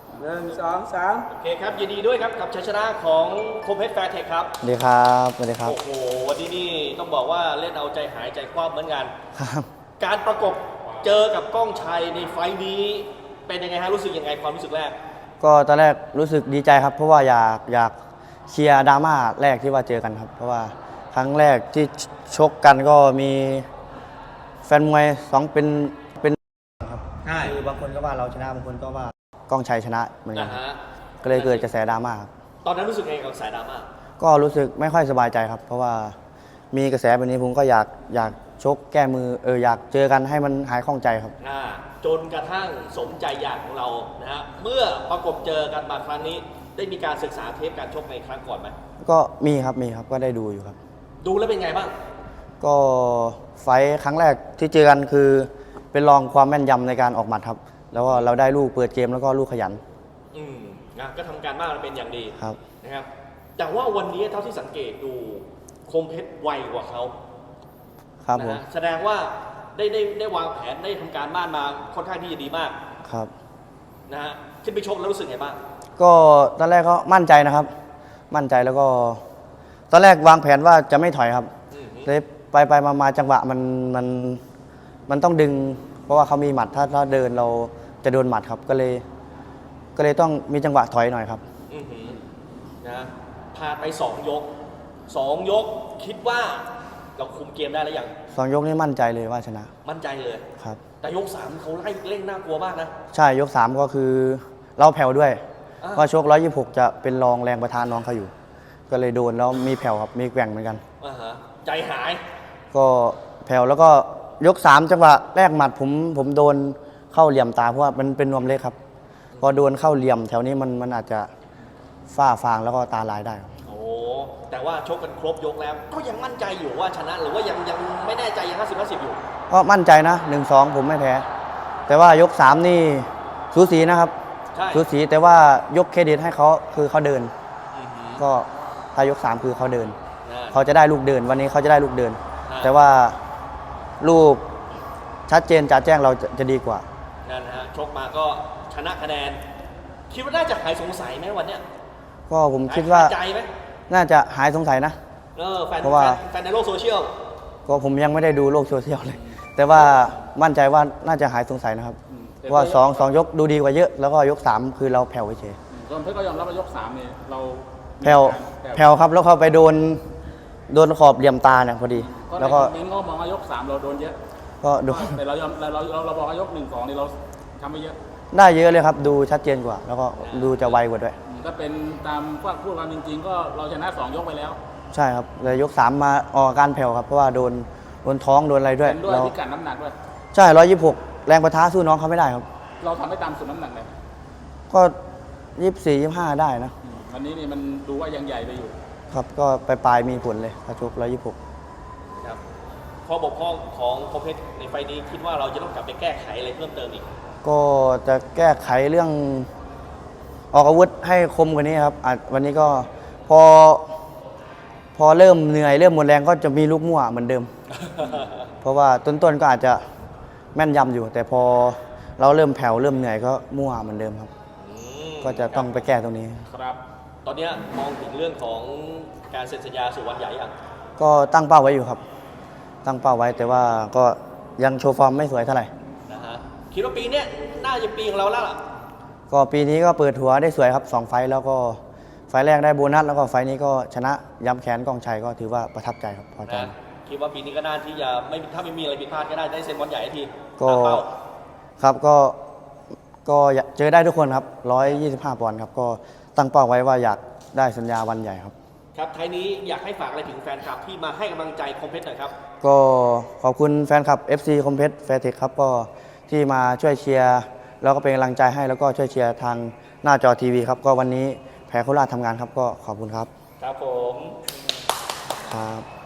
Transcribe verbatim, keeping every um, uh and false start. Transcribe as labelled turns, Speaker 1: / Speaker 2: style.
Speaker 1: หนึ่งสองสาม
Speaker 2: โอเคครับยินดีด้วยครับกับชัยชนะของคมเพชรแฟร์เทคครับ
Speaker 3: สวัสดีครับสวัสดีครับ
Speaker 2: โอ้โหวันนี้นี่ต้องบอกว่าเล่นเอาใจหายใจคว่ำเหมือนกัน
Speaker 3: ครับ
Speaker 2: การประกบเจอกับก้องชัยในไฟล์นี้เป็นยังไงฮะรู้สึกยังไงความรู้สึกแรก
Speaker 3: ก็ตอนแรกรู้สึกดีใจครับเพราะว่าอยากอยากเชียร์ดราม่าแรกที่ว่าเจอกันครับเพราะว่าครั้งแรกที่ชกกันก็มีแฟนมวยสองเป็นเป็นครับคือบางคนก็ว่าเราชนะบางคนก็ว่าก้องชัยชนะเหมือนกันก็เลยเกิดกระแสดราม่าครับ
Speaker 2: ตอนนั้นรู้สึกไงกับสายดราม่า
Speaker 3: ก็รู้สึกไม่ค่อยสบายใจครับเพราะว่ามีกระแสแบบนี้ผมก็อยากอยากชกแก้มือเอออยากเจอกันให้มันหายข้องใจครับ
Speaker 2: จนกระทั่งสมใจอยากของเรานะฮะเมื่อประกบเจอกันมาครั้งนี้ได้มีการศึกษาเทปการชกในครั้งก่อนไหม
Speaker 3: ก็มีครับมีครับก็ได้ดูอยู่ครับ
Speaker 2: ดูแล้วเป็นไงบ้าง
Speaker 3: ก็ไฟท์ครั้งแรกที่เจอกันคือเป็นลองความแม่นยำในการออกหมัดครับแล้วก็เราได้ลูกเปิดเกมแล้วก็ลูกขยัน
Speaker 2: อืมนะก็ทำการบ้านเป็นอย่างดี
Speaker 3: ครับ
Speaker 2: นะครับแต่ว่าวันนี้เท่าที่สังเกตดูคมเพชรไวกว่าเขา
Speaker 3: ครับผม
Speaker 2: แสดงว่าได้ได้ได้วางแผนได้ทำการบ้านมาค่อนข้างที่จะดีมาก
Speaker 3: ครับ
Speaker 2: นะฮะขึ้นไปชกแล้วรู้สึกไงบ้าง
Speaker 3: ก็ตอนแรกก็มั่นใจนะครับมั่นใจแล้วก็ตอนแรกวางแผนว่าจะไม่ถอยครับเลยไปไปมามาจังหวะมันมันมันต้องดึงเพราะว่าเขามีหมัดถ้าถ้าเดินเราจะโดนหมัดครับก็เลยก็เลยต้องมีจังหวะถอยหน่อยครับ
Speaker 2: นะผ่านไปสองยกสองยกคิดว่าเราคุมเกมได้แล้วยัง
Speaker 3: สองยกนี้มั่นใจเลยว่าชนะ
Speaker 2: มั่นใจเลย
Speaker 3: ครับ
Speaker 2: แต่ยกสามเขาไล่เร่งน่ากลัวมากนะ
Speaker 3: ใช่ยกสามก็คือเราแผ่วด้วยว่าชกร้อยยี่สิบหกจะเป็นรองแรงประธานน้องเขาอยู่ก็เลยโดนแล้วมีแผ่วครับมีแกว่งเหมือนกัน
Speaker 2: ใจหาย
Speaker 3: ก็แผ่วแล้วก็ยกสามจังหวะแรกหมัดผมผมโดนเข้าเหลี่ยมตาเพราะว่ามันเป็นนวมเล็กครับพอโดนเข้าเหลี่ยมแถวนี้มันมันอาจจะฝ้าฟางแล้วก็ตาลายได้
Speaker 2: โอ้แต่ว่าชกกันครบยกแล้วก็ยังมั่นใจอยู่ว่าชนะหรือว่ายังยังไม่แน่ใจยังห้าสิบห้าสิบอยู่
Speaker 3: ก็มั่นใจนะหนึ่งสองผมไม่แพ้แต่ว่ายกสามนี่สูสีนะครับสูสีแต่ว่ายกเครดิตให้เขาคือเขาเดินก็ถ้ายกสามคือเขาเดินเขาจะได้ลูกเดินวันนี้เขาจะได้ลูกเดินแต่ว่าลูกชัดเจนจ่าแจ้งเราจะดีกว่า
Speaker 2: นั่นฮะชกมาก็ชนะคะแนนคิดว่าน่าจะหายสงสัยไหมวันเนี้ย
Speaker 3: ก็ผมคิดว่า
Speaker 2: ใจไหม
Speaker 3: น่าจะหายสงสัยนะ
Speaker 2: เพราะว่าแฟนในโลกโซเชียล
Speaker 3: ก็ผมยังไม่ได้ดูโลกโซเชียลเลยแต่ว่ามั่นใจว่าน่าจะหายสงสัยนะครับว่าสองสองยกดูดีกว่าเยอะแล้วก็ยกสามคือเราแผ่วเฉย
Speaker 1: ส่วนเพื่อนก็ยอมรับว่ายกสามเนี่ยเรา
Speaker 3: แผ่วแผ่วครับแล้วเขาไปโดนโดนขอบเหลี่ยมตาเนี่ยพอดี
Speaker 1: แล้วก็มิ้งก็มองว่ายกสามเราโดนเยอะ
Speaker 3: ก็โดน
Speaker 1: แต่เรายอมเราเราเราบอกว่ายกหนึ่งสองนี่เราทำไปเยอะ
Speaker 3: ได้เยอะเลยครับดูชัดเจนกว่าแล้วก็ดูจะไวกว่าด้วย
Speaker 1: ก็เป็นตามพูดความจริงๆก็เราชนะสองยกไปแล้ว
Speaker 3: ใช่ครับเลยยกสามมาออกการแผ่วครับเพราะว่าโดนโดนท้องโดนอะไรด้วย
Speaker 1: ด้วยพิกัดน้ำหนักด้วย
Speaker 3: ใช่ร้อยยี่สิบหกแรงประทะสู้น้องเขาไม่ได้ครับ
Speaker 1: เราทำให้ตามสุดน้ำหนักเลย
Speaker 3: ก็ยี่สิบสี่ยี่สิบห้าได้นะ
Speaker 1: วันนี้นี่มันดูว่ายังใหญ่ไปอยู่
Speaker 3: ครับก็ปลายๆมีผลเลยกระชกร้อยยี่สิบหก
Speaker 2: ครับข้อบกพร่องของคมเพชรในไฟนี้คิดว่าเราจะต้องกลับไปแก้ไขอะไรเพิ่มเติมอีก
Speaker 3: ก็จะแก้ไขเรื่องออกอาวุธให้คมกว่านี้ครับวันนี้ก็พอพอเริ่มเหนื่อยเริ่มหมดแรงก็จะมีลูกมั่วเหมือนเดิม เพราะว่าต้นๆก็อาจจะแม่นยำอยู่ แต่พอเราเริ่มแผ่วเริ่มเหนื่อยก็มั่วเหมือนเดิมครับก็จะต้องไปแก้ตรงนี้
Speaker 2: ครับตอนนี้มองถึงเรื่องของการเซ็นสัญญาสู่วันใหญ่ยัง
Speaker 3: ก็ตั้งเป้าไว้อยู่ครับตั้งเป้าไว้แต่ว่าก็ยังโชว์ฟอร์มไม่สวยเท่าไหร่
Speaker 2: นะฮะคิดว่าปีนี้น่าจะปีของเราแล้วล่ะ
Speaker 3: ก็ปีนี้ก็เปิดหัวได้สวยครับสองไฟแล้วก็ไฟแรกได้โบนัสแล้วก็ไฟนี้ก็ชนะย้ำแขนกองชัยก็ถือว่าประทับใจครับพอใจ
Speaker 2: คิดว่าปีนี้ก็น่าที่จะไม่ถ้าไม่มีอะไรผิดพลาดก็ได้ได้เซ็นวันใหญ่ที
Speaker 3: ก็ครับก็ก็เจอได้ทุกคนครับร้อยยี่สิบห้าปอนด์ครับก็ตั้งเป้าไว้ว่าอยากได้สัญญาวันใหญ่ครับ
Speaker 2: ครับท้ายนี้อยากให้ฝากอะไรถึงแฟนคลับที่มาให้กำลังใจคมเพชรหน่อยครับ
Speaker 3: ก็ขอบคุณแฟนคลับ เอฟ ซี คมเพชรแฟร์เทคครับก็ที่มาช่วยเชียร์แล้วก็เป็นกำลังใจให้แล้วก็ช่วยเชียร์ทางหน้าจอทีวีครับก็วันนี้แพ้โคราชทำงานครับก็ขอบคุณครับ
Speaker 2: ครับผม
Speaker 3: ครับ